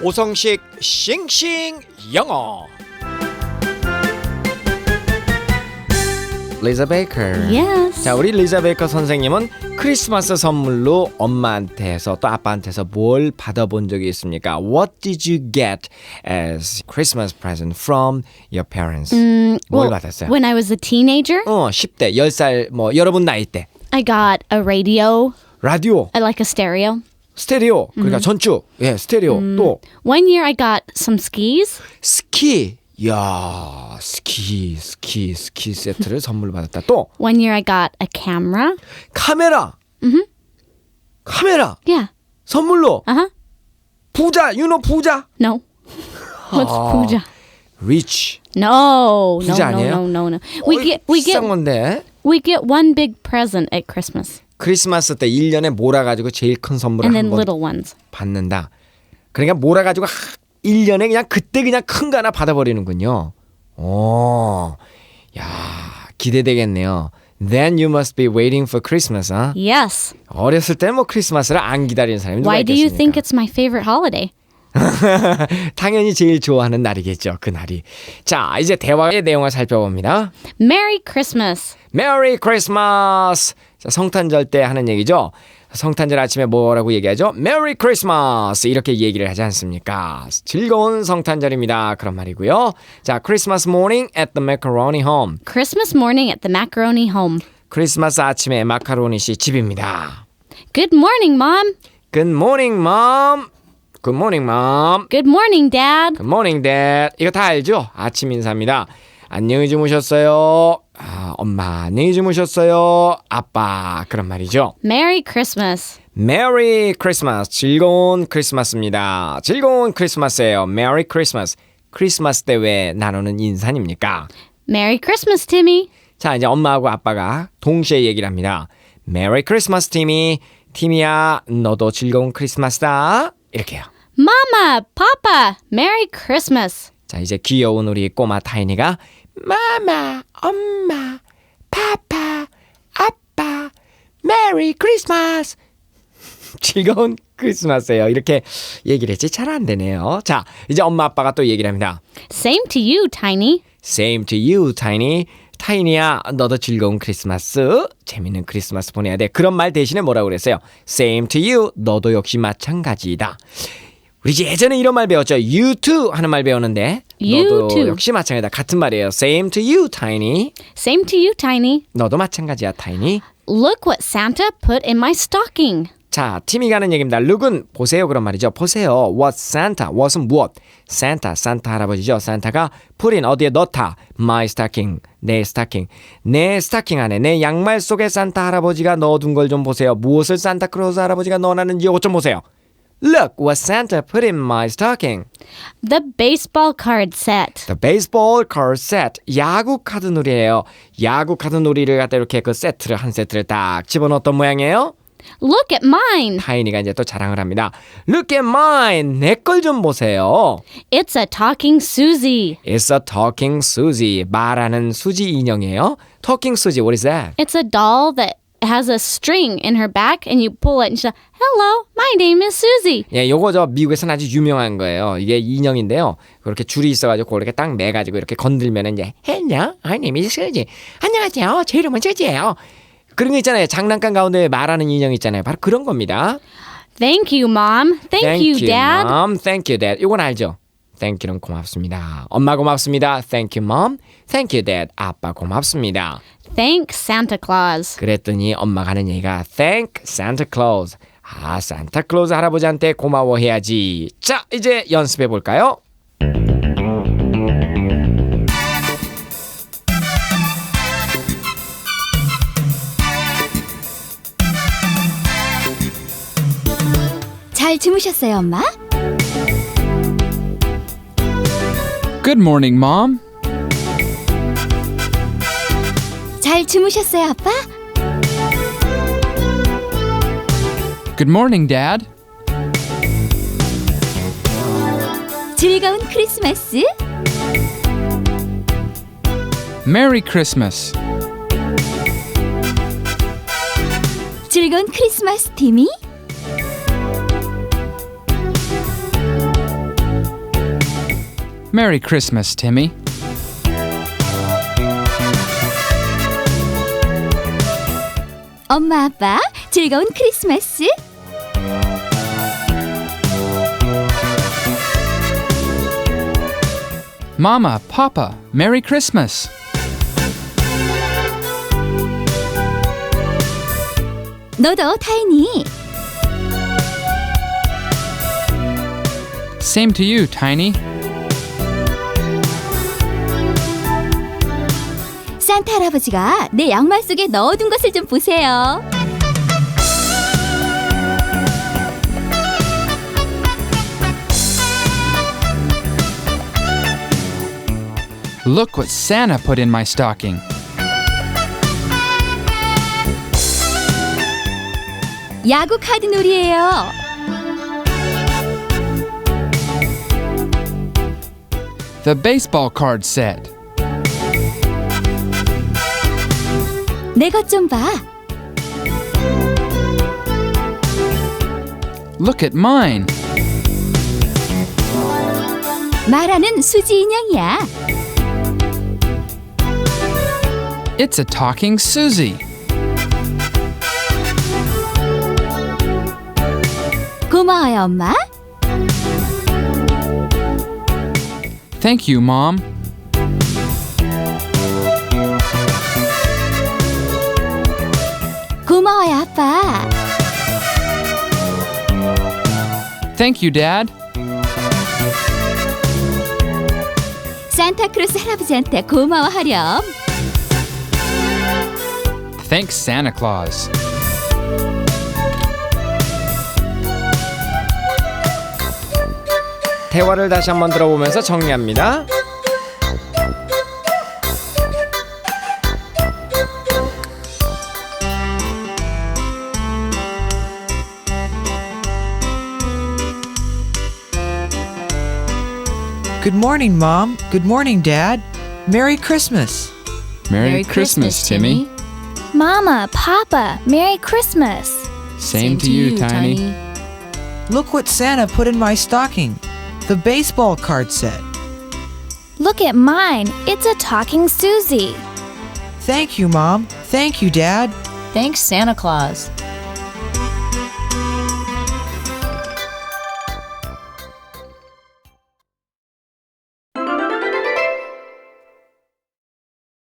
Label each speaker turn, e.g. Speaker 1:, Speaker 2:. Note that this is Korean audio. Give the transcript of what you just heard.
Speaker 1: 오성식 싱싱 영어. 리자 베이커.
Speaker 2: Yes.
Speaker 1: 자, 우리 리자 베이커 선생님은 크리스마스 선물로 엄마한테서 또 아빠한테서 뭘 받아본 적이 있습니까? What did you get as Christmas present from your parents? 뭘 받았어요?
Speaker 2: When I was a teenager,
Speaker 1: 10대, 10살 뭐 여러분 나이 때
Speaker 2: I got a radio,
Speaker 1: 라디오,
Speaker 2: like a stereo.
Speaker 1: 스테레오, 그러니까 전주, 예, 스테레오. 또
Speaker 2: One year I got some skis.
Speaker 1: 스키. 야, 스키 세트를 선물 받았다. 또
Speaker 2: One year I got a camera.
Speaker 1: 카메라. 카메라
Speaker 2: Yeah.
Speaker 1: 선물로.
Speaker 2: Uh-huh.
Speaker 1: 부자, 부자.
Speaker 2: No. What's puja?
Speaker 1: Rich.
Speaker 2: No.
Speaker 1: 부자 아니에요?
Speaker 2: No.
Speaker 1: 비싼 건데.
Speaker 2: We get one big present at Christmas.
Speaker 1: 크리스마스 때 1년에 몰아가지고 제일 큰 선물을
Speaker 2: And then
Speaker 1: 한번
Speaker 2: little ones.
Speaker 1: 받는다. 그러니까 몰아가지고 1년에 그냥 그때 그냥 큰 거 하나 받아버리는군요. 야, 기대되겠네요. Then you must be waiting for Christmas, huh?
Speaker 2: Yes.
Speaker 1: 어렸을 때는 뭐 크리스마스를 안 기다리는 사람이 누가
Speaker 2: Why do you think
Speaker 1: 있겠습니까?
Speaker 2: it's my favorite holiday?
Speaker 1: 당연히 제일 좋아하는 날이겠죠, 그 날이. 자, 이제 대화의 내용을 살펴봅니다.
Speaker 2: Merry Christmas.
Speaker 1: Merry Christmas. 자, 성탄절 때 하는 얘기죠. 성탄절 아침에 뭐라고 얘기하죠? Merry Christmas 이렇게 얘기를 하지 않습니까? 즐거운 성탄절입니다. 그런 말이고요. 자, Christmas morning at the macaroni home.
Speaker 2: Christmas morning at the macaroni home.
Speaker 1: 크리스마스 아침에 마카로니 씨 집입니다.
Speaker 2: Good morning, Mom.
Speaker 1: Good morning, mom. Good morning, mom.
Speaker 2: Good morning, Dad.
Speaker 1: Good morning, dad. 이거 다 알죠? 아침 인사입니다. 안녕히 주무셨어요. 엄마 안녕히 주무셨어요. 아빠 그런 말이죠.
Speaker 2: Merry Christmas.
Speaker 1: Merry Christmas. 즐거운 크리스마스입니다. 즐거운 크리스마스예요. Merry Christmas. 크리스마스 때 왜 나누는 인사입니까?
Speaker 2: Merry Christmas, Timmy.
Speaker 1: 자, 이제 엄마하고 아빠가 동시에 얘기를 합니다. Merry Christmas, Timmy. 티미야, 너도 즐거운 크리스마스다. 이렇게요.
Speaker 2: Mama, Papa, Merry Christmas.
Speaker 1: 자, 이제 귀여운 우리 꼬마 타이니가 마마, 엄마, 파파, 아빠, 메리 크리스마스. 즐거운 크리스마스예요. 이렇게 얘기를 했지 잘 안 되네요. 자, 이제 엄마 아빠가 또 얘기를 합니다.
Speaker 2: Same to you, Tiny.
Speaker 1: Same to you, Tiny. 타이니야, 너도 즐거운 크리스마스, 재밌는 크리스마스 보내야 돼. 그런 말 대신에 뭐라고 그랬어요? Same to you. 너도 역시 마찬가지다. 우리 예전에 이런 말 배웠죠. You too 하는 말 배웠는데
Speaker 2: You
Speaker 1: 너도
Speaker 2: too.
Speaker 1: 역시 마찬가지다. 같은 말이에요. Same to you, Tiny.
Speaker 2: Same to you, Tiny.
Speaker 1: 너도 마찬가지야, Tiny.
Speaker 2: Look what Santa put in my stocking.
Speaker 1: 자, 팀이 가는 얘기입니다. Look은 보세요 그런 말이죠. 보세요. What Santa? What은 무엇? Santa, 산타 할아버지죠. 산타가 put in 어디에 넣다. My stocking, 내 스타킹. 내 스타킹 안에 내 양말 속에 산타 할아버지가 넣어둔 걸 좀 보세요. 무엇을 산타크로스 할아버지가 넣어놨는지 이것 좀 보세요. Look what Santa put in my stocking.
Speaker 2: The baseball card set.
Speaker 1: The baseball card set. 야구 카드 놀이에요. 야구 카드 놀이를 갖다 이렇게 그 세트를 한 세트를 딱 집어넣었던 모양이에요.
Speaker 2: Look at mine.
Speaker 1: 타이니가 이제 또 자랑을 합니다. Look at mine. 내 걸 좀 보세요.
Speaker 2: It's a talking Susie.
Speaker 1: It's a talking Susie. 말하는 수지 인형이에요. Talking Susie. What is that?
Speaker 2: It's a doll that has a string in her back and you pull it and she's like, hello, my name is Susie.
Speaker 1: 예, 요거 저 미국에서는 아주 유명한 거예요. 이게 인형인데요. 그렇게 줄이 있어가지고 그렇게 딱 매가지고 이렇게 건들면은 이제 Hello, my name is Susie. 안녕하세요. 제 이름은 수지예요. 그런 거 있잖아요. 장난감 가운데 말하는 인형 있잖아요. 바로 그런 겁니다.
Speaker 2: Thank you, Mom. Thank you, Dad.
Speaker 1: Mom. Thank you, Dad. 이건 알죠? Thank you는 고맙습니다. 엄마 고맙습니다. Thank you, Mom. Thank you, Dad. 아빠 고맙습니다.
Speaker 2: Thank Santa Claus.
Speaker 1: 그랬더니 엄마가 하는 얘기가 Thank Santa Claus. 아, 산타클로즈 할아버지한테 고마워해야지. 자, 이제 연습해 볼까요?
Speaker 3: 잘 주무셨어요, 엄마?
Speaker 4: Good morning, Mom.
Speaker 3: 잘 주무셨어요, 아빠?
Speaker 4: Good morning, Dad.
Speaker 3: 즐거운 크리스마스.
Speaker 4: Merry Christmas.
Speaker 3: 즐거운 크리스마스, 티미.
Speaker 4: Merry Christmas, Timmy.
Speaker 3: 엄마, 아빠, 즐거운 크리스마스.
Speaker 4: Mama, Papa, Merry Christmas.
Speaker 3: 너도 타이니.
Speaker 4: Same to you, Tiny.
Speaker 3: 산타 할아버지가 내 양말 속에 넣어둔 것을 좀 보세요.
Speaker 4: Look what Santa put in my stocking.
Speaker 3: 야구 카드 놀이에요.
Speaker 4: The baseball card set.
Speaker 3: 내 것 좀 봐.
Speaker 4: Look at mine.
Speaker 3: 말하는 수지 인형이야.
Speaker 4: It's a talking Susie.
Speaker 3: 고마워요, 엄마.
Speaker 4: Thank you, Mom.
Speaker 3: 고마워요, 아빠.
Speaker 4: Thank you, Dad.
Speaker 3: 산타크로스 할아버지한테 고마워하렴.
Speaker 4: Thanks, Santa Claus.
Speaker 1: 대화를 다시 한번 들어보면서 정리합니다.
Speaker 5: Good morning, Mom. Good morning, Dad. Merry Christmas.
Speaker 4: Merry Christmas, Timmy.
Speaker 2: Mama, Papa, Merry Christmas.
Speaker 4: Same to you, Tiny.
Speaker 5: Look what Santa put in my stocking. The baseball card set.
Speaker 2: Look at mine. It's a talking Susie.
Speaker 5: Thank you, Mom. Thank you, Dad.
Speaker 6: Thanks, Santa Claus.